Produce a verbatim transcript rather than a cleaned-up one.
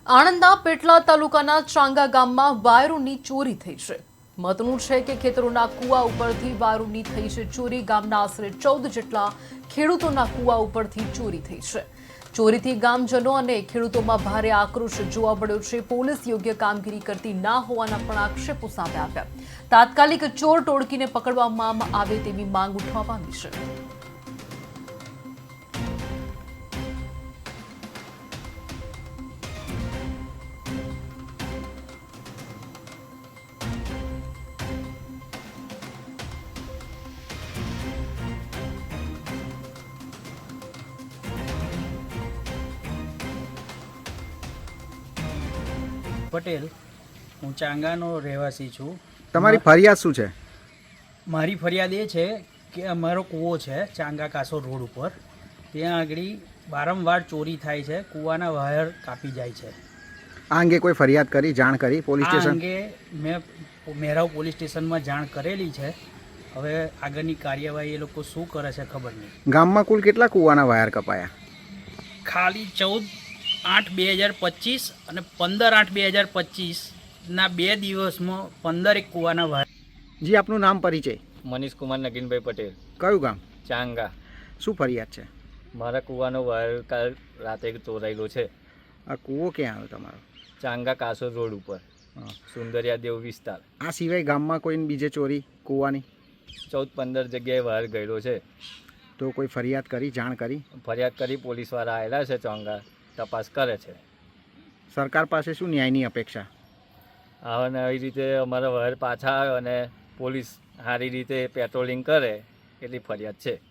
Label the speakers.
Speaker 1: આણંદના પેટલા તાલુકાના ચાંગા ગામમાં વાયરોની ચોરી થઈ છે। મહત્વનું છે કે ખેતરોના કુવા ઉપરથી વાયરોની થઈ છે ચોરી। ગામના આશરે ચૌદ જેટલા ખેડૂતોના કુવા ઉપરથી ચોરી થઈ છે। ચોરીથી ગામજનો અને ખેડૂતોમાં ભારે આક્રોશ જોવા મળ્યો છે। પોલીસ યોગ્ય કામગીરી કરતી ના હોવાના પણ આક્ષેપો સામે આવ્યા। તાત્કાલિક ચોર ટોળકીને પકડવામાં આવે તેવી માંગ ઉઠવા પામી છે।
Speaker 2: પટેલ, હું ચાંગાનો રહેવાસી છું।
Speaker 3: તમારી ફરિયાદ શું છે?
Speaker 2: મારી ફરિયાદ એ છે કે અમારો કૂવો છે ચાંગા કાસો રોડ ઉપર, ત્યાં આગળ વારંવાર ચોરી થાય છે, કૂવાના વાયર કાપી જાય છે।
Speaker 3: આ અંગે કોઈ ફરિયાદ કરી, જાણ કરી પોલીસ
Speaker 2: આ
Speaker 3: સ્ટેશન?
Speaker 2: અંગે મેં મેરાવ પોલીસ સ્ટેશનમાં જાણ કરેલી છે। હવે આગળની કાર્યવાહી એ લોકો શું કરે છે ખબર નહીં।
Speaker 3: ગામમાં કુલ કેટલા કૂવાના વાયર કપાયા?
Speaker 2: ખાલી ચૌદ આઠ બે હજાર પચીસ અને પંદર આઠ બે હજાર પચીસના બે દિવસમાં પંદર એક કૂવાના વાયર।
Speaker 3: જી, આપનું નામ, પરિચય?
Speaker 4: મનીષ કુમાર નગીનભાઈ પટેલ,
Speaker 3: કયું ગામ?
Speaker 4: ચાંગા।
Speaker 3: શું ફરિયાદ છે?
Speaker 4: મારા કૂવાનો વાયર કાલ રાતે ચોરાયેલો છે।
Speaker 3: આ કૂવો ક્યાં આવ્યો તમારો?
Speaker 4: ચાંગા કાસો રોડ ઉપર, સુંદરિયા દેવ વિસ્તાર।
Speaker 3: આ સિવાય ગામમાં કોઈ બીજે ચોરી કૂવાની?
Speaker 4: ચૌદ પંદર જગ્યાએ વાયર ગયેલો છે।
Speaker 3: તો કોઈ ફરિયાદ કરી, જાણ કરી?
Speaker 4: ફરિયાદ કરી, પોલીસવાળા આવેલા છે, ચાંગા તપાસ કરે છે।
Speaker 3: સરકાર પાસે શું ન્યાયની અપેક્ષા?
Speaker 4: અને આવી રીતે અમારા વાયર પાછા આવે અને પોલીસ સારી રીતે પેટ્રોલિંગ કરે એટલી ફરિયાદ છે।